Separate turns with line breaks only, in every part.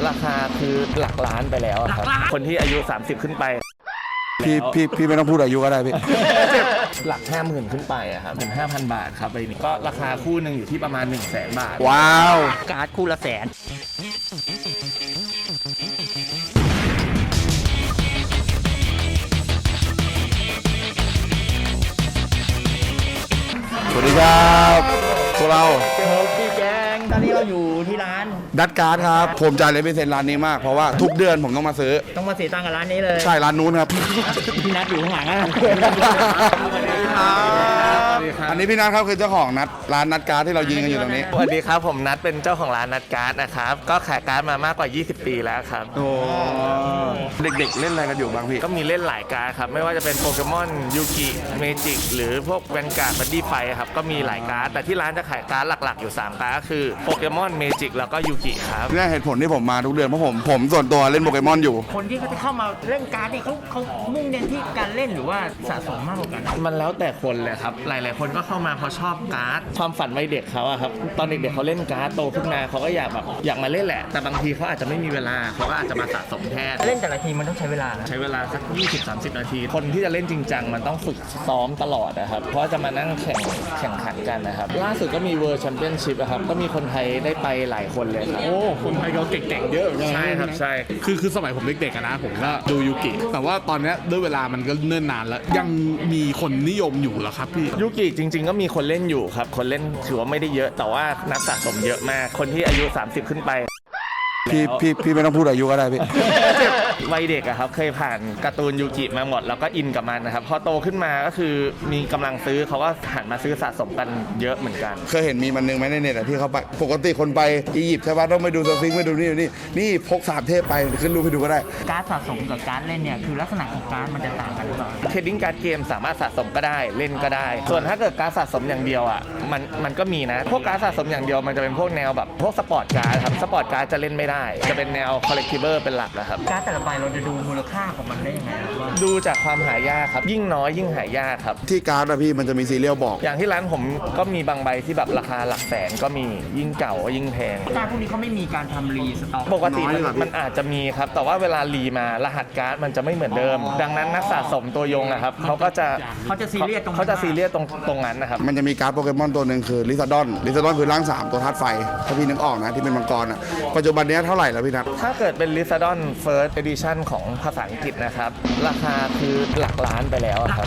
ราคาคือหลักล้านไปแล้วครับคนที่อายุ30ขึ้นไป
พี่ไม่ต้องพูดอายุก็ได้พี่
หลัก 50,000 ขึ้นไปอะครับถึง 5,000 บาทครับใบนี้ก็ราคาคู่หนึ่งอยู่ที่ประมาณ 100,000 บาท
ว้าว
การ์ดคู่ละแสน
สวัสดีครับพวกเรา
พี่แจงตอนนี้เราอยู่ที่ร้าน
ดัตการ์ดครับผมจ่ายเลยเป็นเซ็นร้านนี้มากเพราะว่าทุกเดือนผมต้องมาซื้อ
ต้องมาเสียตังค์กับร้านนี้เลย
ใช่ร้านนู้นครับ
พี่นัทอยู่ข้างหลังอ่ะ
อันนี้พี่นัทครับคือเจ้าของนัดร้านนัดการ์ดที่เรายิงกันอยู่ตรงนี้
สวัสดีครับผมนัทเป็นเจ้าของร้านนัทการ์ดนะครับก็ขายการ์ดมามากกว่า 20 ปีแล้วครับ
โอ้เด็กๆเล่นอะไรกันอยู่บ้างพี่
ก็มีเล่นหลายการ์ดครับไม่ว่าจะเป็นโปเกมอนยูกิเมจิกหรือพวกแวนการ์ดบัดดี้ไฟครับก็มีหลายการ์ดแต่ที่ร้านจะขายการ์ดหลักๆอยู่3การ์ดก็คือโปเกมอนเมจิกแล้วก็ยูกิครับ
นี่เหตุผลที่ผมมาทุกเดือนเพราะผมส่วนตัวเล่นโปเกมอนอยู่
คนที่เขาจะเข้ามาเล่นการ์ดนี่เขามุ่งเน้นที่การเล่นหรือว่าสะสมมากกว่ากัน
มันแล้วแต่คนเลยครับหลายๆคนก็เข้ามาเพราะชอบการ์ดความฝันวัยเด็กเขาอะครับตอนเด็กๆเขาเล่นการ์ดโตขึ้นมาเขาก็อยากมาเล่นแหละแต่บางทีเขาอาจจะไม่มีเวลาเขาก็อาจจะมาสะสมแทน
เล่นแต่ละทีมันต้องใช้เวลานะ
ใช้เวลาสัก 20-30 นาที คนที่จะเล่นจริงจังมันต้องฝึกซ้อมตลอดนะครับ เพราะจะมานั่งแข่งขันกันนะครับ ล่าสุดก็มีเวิร์ d แชมเปี้ยนชิพครับ ก็มีคนไทยได้ไปหลายคนเลยครับ
โอ้ คนไทยเขาเก่งๆเยอะเหมือนกันนะ
ใช่ครับ ใช่
คือสมัยผมเด็กๆอะนะผมก็ดูยูกิ แต่ว่าตอนเนี้ยด้วยเวลามันก็เนิ่นนานแล้ว ยังมีคนนิยมอยู่เหรอครับพี่
ยูกิจริงๆ ก็มีคนเล่นอยู่ครับ คนเล่นถือว่าไม่ได้เยอะ แต่ว่านักสะสมเยอะมาก คนที่อายุ 30 ขึ้นไป
พี่ไม่ต้องพูดอายุก็ได้พี่
วัยเด็กอะครับเคยผ่านการ์ตูนยูกิมาหมดแล้วก็อินกับมันนะครับพอโตขึ้นมาก็คือมีกำลังซื้อเขาก็หันมาซื้อสะสมกันเยอะเหมือนกัน
เคยเห็นมีมันนึงไหมในเน็ตอะที่เขาไปปกติคนไปอียิปต์ใช่ปะต้องไปดูสฟิงค์ไปดูนี่พก3 เทพไปขึ้นรูปให้ดูก็ได้
การ์ดสะสมกับการ์ดเล่นเนี่ยคือลักษณะของการ์ดมันจะต่างกันหรือเปล่า
เทรดดิ้งการ์ดเกมสามารถสะสมก็ได้เล่นก็ได้ ส่วนถ้าเกิดการ์ดสะสมอย่างเดียวอ่ะมันก็มีนะพวกการ์ดสะสมอย่างเดียวมันจะเป็นพวกแนวแบบพวกสปอร์ตการ์ดครับสปอร์ตการ์ดจะเล่นไม่ได้จะเป็นแนวคอลเลกทิเบอร์เป็นหลักนะครับ
การ์ดแต่ละใบเราจะดูมูลค่าของมันได้ยังไงครับว่า
ดูจากความหายากครับยิ่งน้อยยิ่งหายากครับ
ที่การ์ดอะพี่มันจะมีซีเรียลบอก
อย่างที่ร้านผมก็มีบางใบที่แบบราคาหลักแสนก็มียิ่งเก่าก็ยิ่งแพง
การ์ดพวกนี้เขาไม่มีการทำรีสต็อก
ปกติ
น้อยเหรอพี่
มันอาจจะมีครับ แต่ว่าเวลารีมารหัสการ์ดมันจะไม่เหมือนเดิม ดังนั้นนักสะสมตัวยงนะครับเขาก็จะ
เขาจะซีเรียสตรงนั้น
เขาจะซีเรียสตรงนั้นนะครับ
มันจะมีการ์ดโปเกมอนตัวหนึ่งคือลิซาดอนคือร่าง 3 ตัวธาตุไฟ ถ้าพี่นึกออกนะที่เป็นมังกรอะปัจจุบันนี้เท่าไหร่แล้วพี่นัท
ถ้าเกิดเป็น Lizardon First Edition ของภาษาอังกฤษนะครับ ราคาคือหลักล้านไปแล้วอะครับ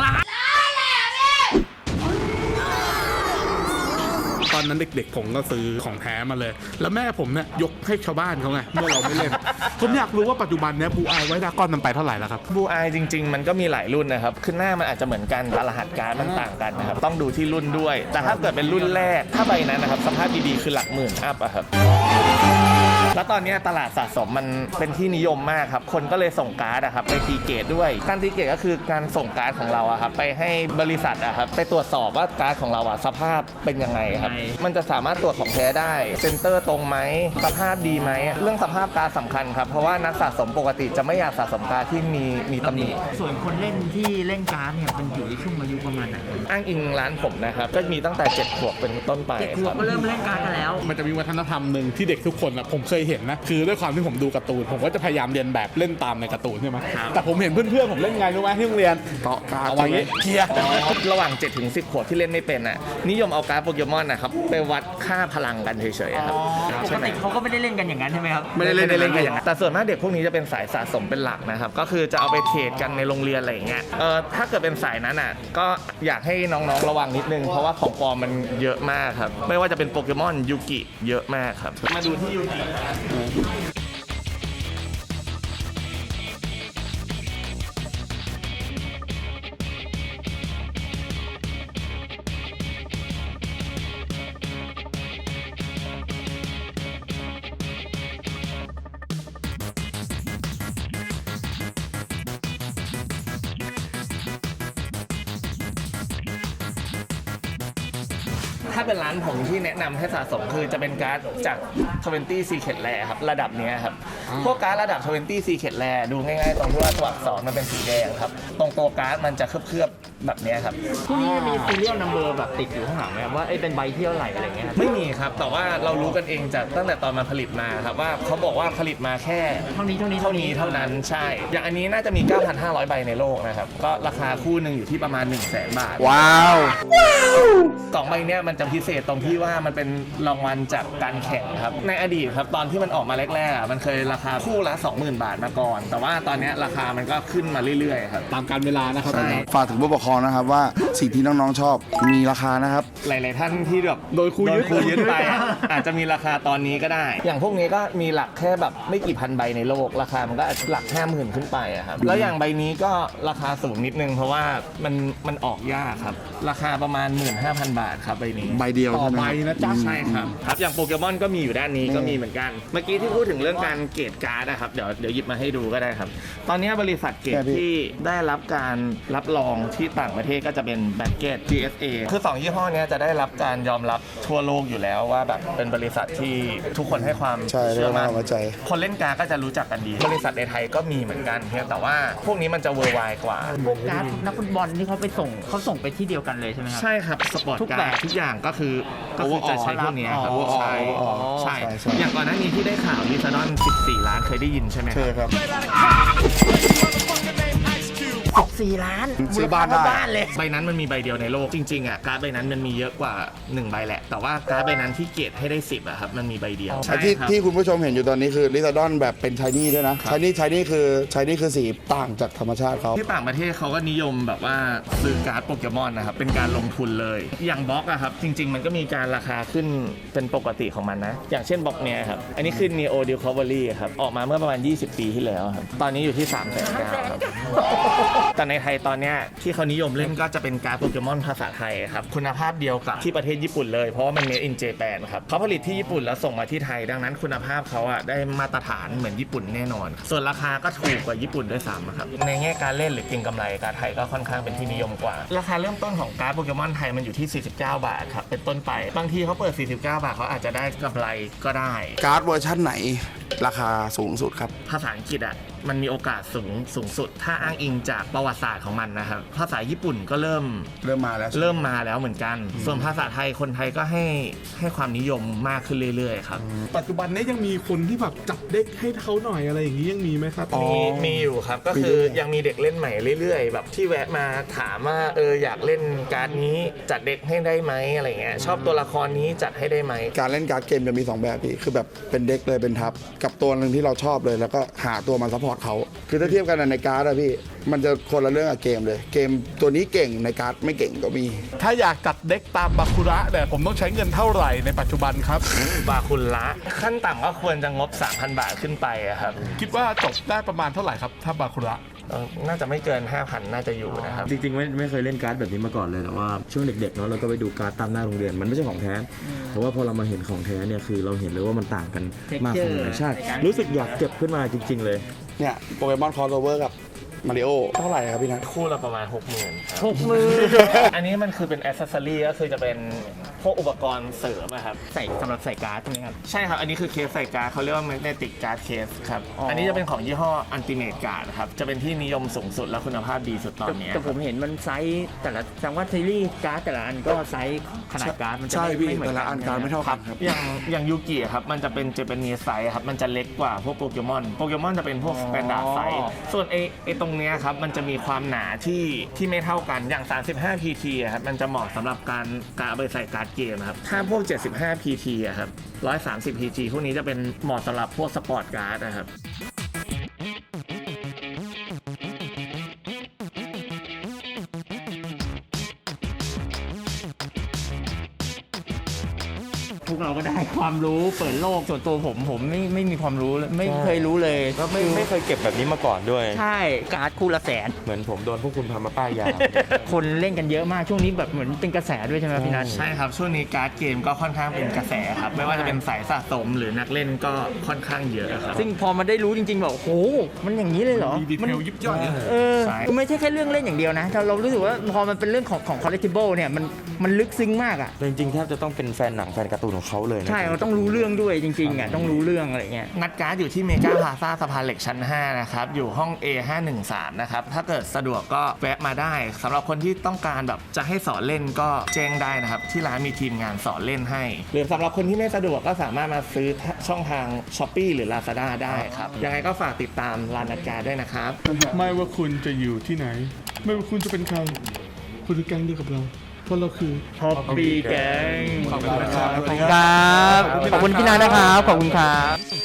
ตอนนั้นเด็กๆผมก็ซื้อของแท้มาเลย แล้วแม่ผมเนี่ยยกให้ชาวบ้านเขาไงเมื่อเราไม่เล่น ผมอยากรู้ว่าปัจจุบันเนี้ยบูอายไว้ดากอนมันไปเท่าไหร่แล้วครับ
บูอายจริง ๆ มันก็มีหลายรุ่นนะครับคือหน้ามันอาจจะเหมือนกันแต่รหัสการ์ดมันต่างกันนะครับ ต้องดูที่รุ่นด้วย แต่ถ้าเกิดเป็นรุ่นแรก ถ้าใบนั้นนะครับสภาพดีๆคือหลักหมื่นอัพอะครับ แล้วตอนนี้ตลาดสะสมมันเป็นที่นิยมมากครับ คนก็เลยส่งการ์ดอะครับไปตีเกตด้วย การตีเกตก็คือการส่งการ์ดของเราอะครับไปให้บริษัทอะครับไปตรวจสอบว่าการ์ดของเราอะสภาพเป็นยังไงครับ มันจะสามารถตรวจของแท้ได้ เซ็นเตอร์ตรงไหมสภาพดีไหม เรื่องสภาพการ์ดสำคัญครับ เพราะว่านักสะสมปกติจะไม่อยากสะสมการ์ดที่มีตำหนิ
ส่วนคนเล่นที่เล่นการ์ดเนี่ยเป็นอยู่ในช่วงอายุประมาณไหน
อ้างอิงร้านผมนะครับก็มีตั้งแต่7 ขวบเป็นต้นไป
เด็กข
คว รั
บบ ก็เริ่มเล่นการ์ดกันแล้ว
มันจะมีวัฒนธรรมหนึ่งที่เด็กทุกคนอะผมเคยเห็นนะคือด้วยความที่ผมดูการ์ตูนผมก็จะพยายามเรียนแบบเล่นตามในการ์ตูนใช่ไหมแต่ผมเห็นเพื่อนๆผมเล่นไงรู้ไหมที่โรงเรียน
เกาะการ์ด
เอาไว้อย่างงี้เคลียร์
ระหว่าง 7-10 ขวบที่เล่นไม่เป็นอ่ะนิยมเอาการ์ดโปเกมอนนะครับไปวัดค่าพลังกันเฉยๆครับ
ปกติเขาก็ไม่ได้เล่นกันอย่างนั้นใช่ไหมครับ
ไม่ได้เล่นกันอย่างนั้นแต่ส่วนมากเด็กพวกนี้จะเป็นสายสะสมเป็นหลักนะครับก็คือจะเอาไปเทรดกันในโรงเรียนอะไรอย่างเงี้ยถ้าเกิดเป็นสายนั้นอ่ะก็อยากให้น้องๆระวังนิดนึงเพราะว่าของปลอมมันเยอะมากครับไม่ว่าจะเป็นโปเกมอนยูกิเยอะมากครับมาดูที่ยูกิ ถ้าเป็นร้านผมที่แนะนำให้สะสมคือจะเป็นการ์ดจาก20 Secret Rare ครับระดับเนี้ยครับพวกการ์ดระดับ 20 Secret Rare ดูง่ายๆตรงที่ว่าตัวอักษรมันเป็นสีแดงครับตรงตัวการ์ดมันจะเคลือบๆแบบเนี้ยครับ
พวกนี้มีซีเรียลนัมเบอร์แบบติดอยู่ข้างหลังไหมครับว่าเป็นใบเที่ยวไหลอะไรเงี้ยครับ
ไม่มีครับแต่ว่าเรารู้กันเองจากตั้งแต่ตอนมาผลิตมาครับว่าเขาบอกว่าผลิตมาแค่
เท่านี้เท่านี้
เท่านี้เท่านั้นใช่ อย่างอันนี้น่าจะมี 9,500 ใบในโลกนะครับก็ราคาคู่หนึ่งอยู่ที่ประมาณ 100,000 บาท
ว้าว
สองใบเนี้ยมันจะพิเศษตรงที่ว่ามันเป็นรางวัลจากการแข่งครับในอดีตครับตอนที่มันออกมาแรกๆอ่ะมันเคยราคาคู่ละ 20,000 บาทมาก่อน แต่ว่าตอนเนี้ยราคามันก็ขึ้นมาเรื่อยๆครับ
ตามการเวลานะครับ
ใช่
ฝากถึงผู้ปกครองนะครับว่าสิ่งที่น้องๆชอบมีราคานะครับ
หลายๆท่านที่แบบโดนครูยึดไปอะอาจจะมีราคาตอนนี้ก็ได้ อย่างพวกนี้ก็มีหลักแค่แบบไม่กี่พันใบในโลก ราคามันก็หลัก 50,000 ขึ้นไปอะครับแล้วอย่างใบนี้ก็ราคาสูงนิดนึงเพราะว่ามันออกยากครับราคาประมาณ 15,000 บาทครับใบนี้
ใบเดียว
ต่อ
ใช่ไหม
ใบ
ครับ
นะจ๊ะ
ใช่ครับอย่างโปเกมอนก็มีอยู่ด้านนี้ก็มีเหมือนกัน เมื่อกี้ที่พูดถึงเรื่องการเกรดการ์ดนะครับเดี๋ยวหยิบมาให้ดูก็ได้ครับ ตอนนี้บริษัทเกรดที่ได้รับการรับรองที่ต่างประเทศก็จะเป็นแบงเกต GSA คือ2ยี่ห้อเนี้ยจะได้รับการยอมรับทั่วโลกอยู่แล้วว่าแบบเป็นบริษัทที่ทุกคนให้ความ
ใช่
เชื่อมั่น
เรียกว่าไว้ใจ
คนเล่นการ์ดก็จะรู้จักกันดี บริษัทในไทยก็มีเหมือนกันเพียงแต่ว่าพวกนี้มันจะเวอร์ไวกว่า
พวกการ์ดนักฟุตบอลที่เขาส่งไปที่เดียวกันเลยใช่ไหมครับ
ใช่ครับสปอร์ต
ทุก
การ์
แบ
ด
บ
ทุกอย่างก็คือจะใช้พวกเนี้ยครับ
อ๋อ
ใช่
อ๋อ
ใช่
ใช่
อย่างก่อนหน้านี้ที่ได้ข่าวลิซาดอน14 ล้านเคยได้ยินใช่ไหม
ใช่ครับ
14 ล้าน
ซื้อบ้านได้
บ้านเลย
ใบนั้นมันมีใบเดียวในโลกจริงๆอ่ะการ์ดใบนั้นมันมีเยอะกว่า1ใบแหละแต่ว่าการ์ดใบนั้นที่เกรดให้ได้10อะครับมันมีใบเดียว
ไอ้ที่
ครับ
ที่คุณผู้ชมเห็นอยู่ตอนนี้คือลิซาดอนแบบเป็นชายนี่ด้วยนะชายนี่คือสีต่างจากธรรมชาติเขา
ที่ต่างประเทศเขาก็นิยมแบบว่าซื้อการ์ดโปเกมอนนะครับเป็นการลงทุนเลยอย่างบล็อกอะครับจริง ๆ มันก็มีการราคาขึ้นเป็นปกติของมันนะอย่างเช่นบล็อกเนี้ยครับอันนี้คือ Neo Discovery ครับออกมาเมื่อประมาณ20 ปีที่แล้วครับตอนนี้อยู่ที่ 300,000 ครับแต่ในไทยตอนเนี้ยที่เขานิยมเล่นก็จะเป็นการ์ดโปเกมอนภาษาไทยครับคุณภาพเดียวกับที่ประเทศญี่ปุ่นเลยเพราะว่ามัน Made in Japan ครับเขาผลิตที่ญี่ปุ่นแล้วส่งมาที่ไทยดังนั้นคุณภาพเขาอะได้มาตรฐานเหมือนญี่ปุ่นแน่นอน ส่วนราคาก็ถูกกว่าญี่ปุ่นด้วยซ้ำครับในแง่การเล่นหรือเก็งกำไรการ์ดไทยก็ค่อนข้างเป็นที่นิยมกว่า ราคาเริ่มต้นของการ์ดโปเกมอนไทยมันอยู่ที่ 49 บาทครับเป็นต้นไปบางทีเขาเปิด 49 บาทเขาอาจจะได้กำไรก็ได้
การ์ดเวอร์ชั่นไหนราคาสูงสุดครับ
ภาษาอังกฤษอ่ะมันมีโอกาสสูงสุด ถ้าอ้างอิงจากประวัติศาสตร์ของมันนะครับภาษาญี่ปุ่นก็เริ่มมาแล้วเหมือนกัน ส่วนภาษาไทยคนไทยก็ให้ความนิยมมากขึ้นเรื่อยๆครับ
ปัจจุบันนี้ยังมีคนที่แบบจับเด็กให้เขาหน่อยอะไรอย่างนี้ยังมีไหมครับ
มีอยู่ครับก็คือยังมีเด็กเล่นใหม่เรื่อยๆแบบที่แวะมาถามว่าอยากเล่นการ์ดนี้จัดเด็กให้ได้ไหมอะไรเงี้ยชอบตัวละครนี้จัดให้ได้ไหม
การเล่นการ์ดเกมจะมี 2 แบบพี่คือแบบเป็นเด็กเลยเป็นทับกับตัวหนึ่งที่เราชอบเลยแล้วก็หาตัวมาซัพพอร์ตเขาคือถ้าเทียบกันในการ์ดอะพี่มันจะคนละเรื่องกับเกมเลยเกมตัวนี้เก่งในการ์ดไม่เก่งก็มี
ถ้าอยากจัดเด็กตามบาคุระเนี่ยผมต้องใช้เงินเท่าไหร่ในปัจจุบันครับ
บาคุณละขั้นต่ำก็ควรจะงบ 3,000 บาทขึ้นไปอะครับ
คิดว่าจบได้ประมาณเท่าไหร่ครับถ้าบาคุระ
น่าจะไม่เกิน 5,000 น่าจะอยู่นะครับ
จริงๆไม่เคยเล่นการ์ดแบบนี้มาก่อนเลยแต่ว่าช่วงเด็กๆเนาะเราก็ไปดูการ์ดตามหน้าโรงเรียนมันไม่ใช่ของแท้แต่ว่าพอเรามาเห็นของแท้เนี่ยคือเราเห็นเลยว่ามันต่างกันมากขนาดไหนใช่รู้สึกอยากเก็บขึ้นมาจริง ๆ เลย
เนี่ยโปเกมอนคอร์สโอเวอร์กับมาริโอเท่าไหร่ครับพี่นัท
คู่ละประมาณ 60,000 ครับอันนี้มันคือเป็นอ c เซสซอรี่ก็คือจะเป็นพวกอุปกรณ์เสริมอะครับ
สำหรับใส่การ์ดใช่ไหมครับ
ใช่ครับ อันนี้คือเคสใส่การ์ดเขาเรียกว่า magnetic card case ครับ อันนี้จะเป็นของยี่ห้อ Ultimate Card ครับจะเป็นที่นิยมสูงสุดและคุณภาพดีสุดตอนนี้
แต่ผมเห็นมันไซส์แต่ละจังหวัดซีรีส์การ์ดแต่ละอันก็ไซส์ขนาดการ์ดมันจะ
ใช่พี่
ไม่เหมือน
แต่ละ
กั
อัน
น
การ์ดไม่เท่ากันครับ
อย่างยูกิครับมันจะเป็นเจแปนิสไซส์ครับมันจะเล็กกว่าพวกโปเกมอนจะเป็นพวกสแตนดาร์ดไซส์ส่วนไอตรงเนี้ยครับมันจะมีความหนาที่ไม่เท่ากันอย่าง 35 PT อะครับมันจะเหมาะสำหรับการเอาไปใส่การ์ดเกมครับถ้าพวก 75 PT อะครับ130 PT พวกนี้จะเป็นเหมาะสำหรับพวกสปอร์ตการ์ดนะครับ
พวกเราก็ได้ความรู้เปิดโลกส่วนตัวผมไม่มีความรู้เลยไม่เคยรู้เลย
ก็ไม่เคยเก็บแบบนี้มาก่อนด้วย
ใช่การ์ดคู่ละแสน
เหมือนผมโดนพวกคุณทำมาป้ายยา
คนเล่นกันเยอะมากช่วงนี้แบบเหมือนเป็นกระแสด้วยใช่ไหมพี่นัท
ใช่ครับช่วงนี้การ์ดเกมก็ค่อนข้างเป็นกระแสครับไม่ว่าจะเป็นสายสะสมหรือนักเล่นก็ค่อนข้างเยอะครับ
ซึ่งพอมาได้รู้จริงๆแบบโอ้โหมันอย่างนี้เลยเหรอ
มีดีเทลยิบย่อย
ใช่
ไม่ใช่แค่เรื่องเล่นอย่างเดียวนะเรารู้สึกว่าพอมันเป็นเรื่องของ collectible เนี่ยมันลึกซึ้งมากอ่ะ
แต่จริงๆแทบจะต้องเป็นแฟนหนังแฟนการ์ตูนของเขาเลยนะ
ใช่เราต้องรู้เรื่องด้วยจริงๆอ่ะต้องรู้เรื่องอะไรเงี้ย
งัดการ์ดอยู่ที่เมกาพลาซ่าสะพานเหล็กชั้น 5 นะครับ อยู่ห้อง A513 นะครับ ถ้าเกิดสะดวกก็แวะมาได้สำหรับคนที่ต้องการแบบจะให้สอนเล่นก็แจ้งได้นะครับ ที่ร้านมีทีมงานสอนเล่นให้ หรือสำหรับคนที่ไม่สะดวกก็สามารถมาซื้อช่องทาง Shopee หรือ Lazada ได้ครับ ยังไงก็ฝากติดตามร้านงัดการ์ดด้วยนะครับ
ไม่ว่าคุณจะอยู่ที่ไหน ไม่ว่าคุณจะเป็นใคร คุณคือแก๊งเดียวกับเรา เพราะเราคือ
Hobby Gang
ขอบคุณนะครับ
ขอบคุณครับ ขอบคุณพี่นานะครับ ขอบคุณครับ